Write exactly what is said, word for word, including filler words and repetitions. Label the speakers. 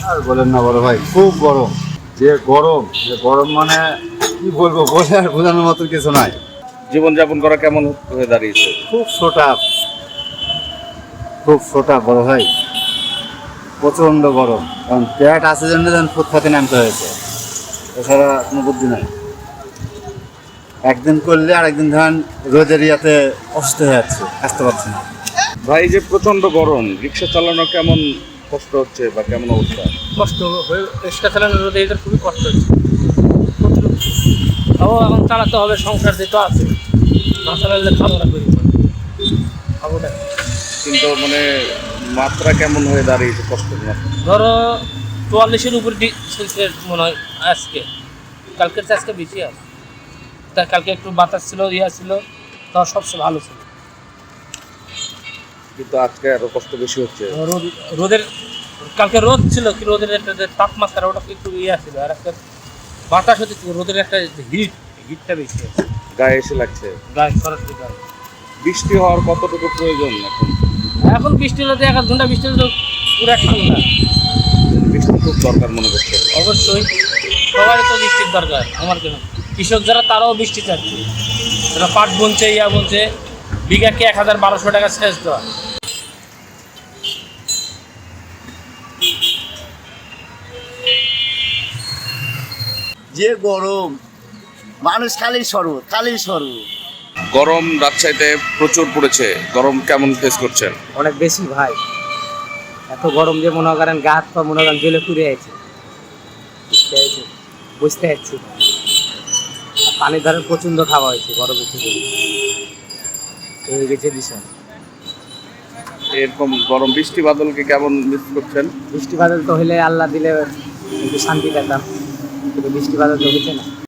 Speaker 1: আর বলেন না বড় ভাই, খুব গরম। যে গরম, যে গরম মানে কি বলবো, বলে আর বোঝানোর মতো কিছু নাই।
Speaker 2: জীবনযাপন করা কেমন হয়ে দাঁড়িয়েছে?
Speaker 1: খুব ছোটা, খুব ছোটা বড় ভাই, প্রচণ্ড গরম। কারণ পেট আছে জন্য যেন ফুটপাতে নামতে হয়েছে, এছাড়া কোনো বুদ্ধি নাই। একদিন করলে আর একদিন ধরেন রোদের ইয়াতে অসুস্থ হয়ে যাচ্ছে, আসতে পারছি না।
Speaker 2: ভাই, যে প্রচন্ড গরম, রিক্সা চালানো কেমন কষ্ট হচ্ছে বা কেমন অবস্থা?
Speaker 3: কষ্ট হয়ে রিক্সা চালানো রোদে এদের খুবই কষ্ট হচ্ছে, তাও এখন চালাতে হবে, সংসার যেটা আছে না চালালে খাওয়া দাওয়া করি খাবো না।
Speaker 2: কিন্তু মানে মাত্রা কেমন হয়ে দাঁড়িয়েছে, কষ্টের মাত্রা?
Speaker 3: ধরো চুয়াল্লিশের উপরে সেলসিয়াস মনে হয় আজকে, কালকের চেয়ে আজকে বেশি আছে। তা কালকে একটু বাতাস ছিল, ইয়া ছিল, তা সবচেয়ে ভালো ছিল।
Speaker 2: কিন্তু আজকে আরো কষ্ট বেশি হচ্ছে।
Speaker 3: রোদ রোদের কালকে রোদ ছিল, কি রোদের একটা যে তাপমাত্রা ওটা একটু ইয়া ছিল, আর একটা বাতাস হচ্ছে, রোদের একটা হিট, হিটটা বেশি আছে,
Speaker 2: গায়ে এসে লাগছে।
Speaker 3: গায়ে সরাসরি গায়ে।
Speaker 2: বৃষ্টি হওয়ার কতটুকু প্রয়োজন এখন?
Speaker 3: এখন বৃষ্টি হলে এক আধ ঘন্টা বৃষ্টি হলে পুরো ঠান্ডা।
Speaker 2: বৃষ্টি খুব দরকার মনে করছে।
Speaker 3: অবশ্যই সবারই তো বৃষ্টির দরকার, আমার কেন, কৃষক যারা তারাও বৃষ্টি চাচ্ছে, যারা পাট বুনছে, ইয়া বুনছে, বিঘাকে এক হাজার বারোশো টাকা সেচ দেওয়া।
Speaker 4: যে গরম, মানুষ খালি শরবত খালি শরবত।
Speaker 2: গরম রাজশাহীতে প্রচুর পড়েছে, গরম কেমন ফেস করছেন?
Speaker 5: অনেক বেশি ভাই, এত গরম যে মনে করেন গা হাত পা মনে করেন জেলে পুড়ে আছে, বুঝতে পারছি। পানির ধারে প্রচণ্ড খাওয়া হয়েছে গরমের থেকে, এই গেছে বিষয়।
Speaker 2: এরকম গরম বৃষ্টি বাদলকে কেমন মিস করছেন?
Speaker 5: বৃষ্টি বাদল তো হলে আল্লাহ দিলে একটু শান্তি পেতাম, কিন্তু বৃষ্টি বাদল তো হচ্ছে না।